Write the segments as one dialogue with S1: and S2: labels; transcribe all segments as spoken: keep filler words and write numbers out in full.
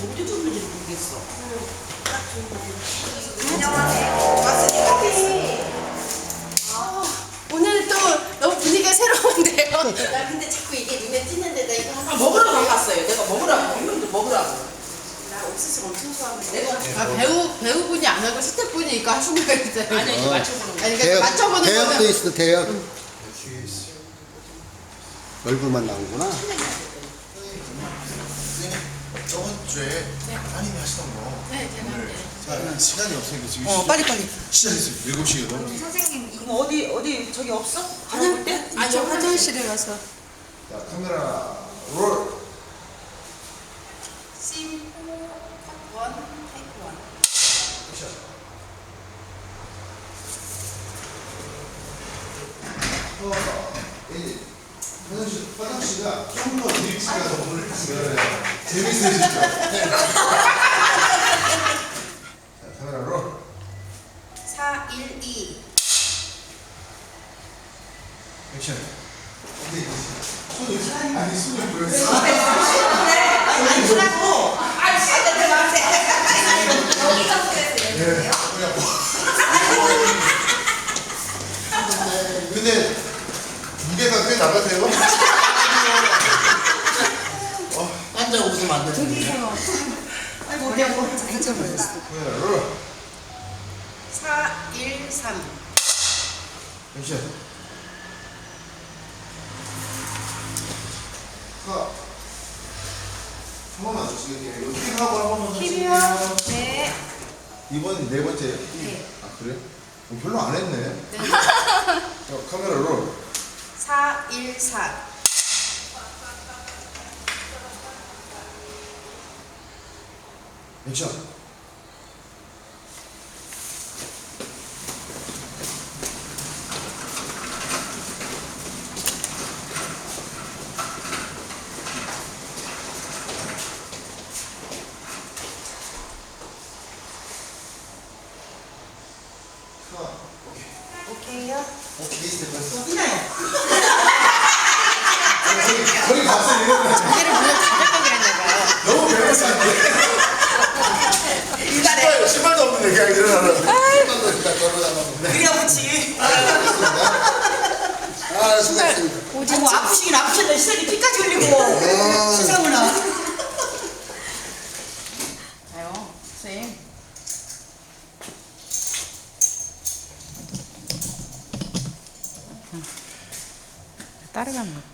S1: 어디 줬는지 모르겠어.
S2: 안녕하세요. 왔으니까
S3: 아, 오늘 또 너무 분위기가 새로운데요.
S2: 나 근데 자꾸 이게 눈에 띄는데 나 이거
S1: 아,
S2: 한번
S1: 먹으라고 가봤어요. 내가 먹으라고. 이놈도 먹으라고.
S2: 나 옥수수 엄청 좋아하는데
S1: 내가
S3: 아, 배우 배우분이 안 하고 스태프분이 이거 하신다고 했잖아요.
S1: 아니 이제 맞춰보는 거.
S3: 아니 그러니까 맞춰보는
S4: 대역도
S3: 거는
S4: 있어, 대역. 얼굴만 나오구나.
S5: 저번 주에 따님이 하시던 거
S3: 네, 제가
S5: 오늘
S3: 할게요.
S5: 자, 시간이 없으니까 지금
S1: 어 빨리 빨리.
S5: 시작했어요. 일곱 시에 너무
S2: 선생님
S1: 그럼 어디 어디 저기 없어?
S3: 화장
S1: 때?
S3: 아니 화장실에 가서
S5: 자, 카메라 롤.
S2: 심 원, 테이크 원.
S5: 액션. 어, 이 화장실, 화장실가 좀 더 일찍 가서 오늘 하시면 재밌으시죠? 네. 자, 카메라 롤.
S2: 사, 일, 이.
S5: 액션. 근데 손을 아니 손을 보였어.
S1: 아니 주라고.
S2: 여기서 스트레스
S5: 네.
S2: 내주세요.
S5: 그냥 뭐. 근데 무게가 꽤 나가세요?
S1: 앉아 웃으면 안 되는데. 아이고 어디 한번.
S5: 카메라 롤.
S2: 사, 일, 삼.
S5: 액션. 하. 한 번만 주시겠네요. 이거 킥하고 한 번만
S2: 키비요.
S5: 주실게요.
S2: 네.
S5: 이번 네 번째.
S2: 네.
S5: 아 그래? 어, 별로 안 했네. 자, 카메라 롤.
S2: 사, 일, 사.
S5: 액션. 하. 오케이.
S2: 오케이요.
S5: 오케이 스텝 됐어?
S1: 이나요.
S5: 거의 거의 갔어 이러면
S3: 자기를 물론 가져가기로 했나봐요.
S5: 너무 배고픈데. 신발 신발도 없는데 그냥 일어나는. 신발도 일단 걸어다녔는데.
S1: 그래야 그렇지.
S4: 아, 수고했습니다.
S1: 아이고 아프시긴 아프셨네. 시선이 피까지 흘리고. 시상훈아. 아유 선생님.
S3: 따라가는 것도.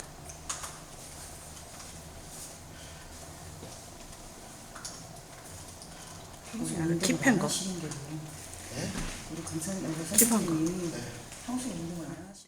S3: 킵한 거.
S1: 우리 강사님,
S3: 킵한 거.
S1: 평소에 운동을 안 하시.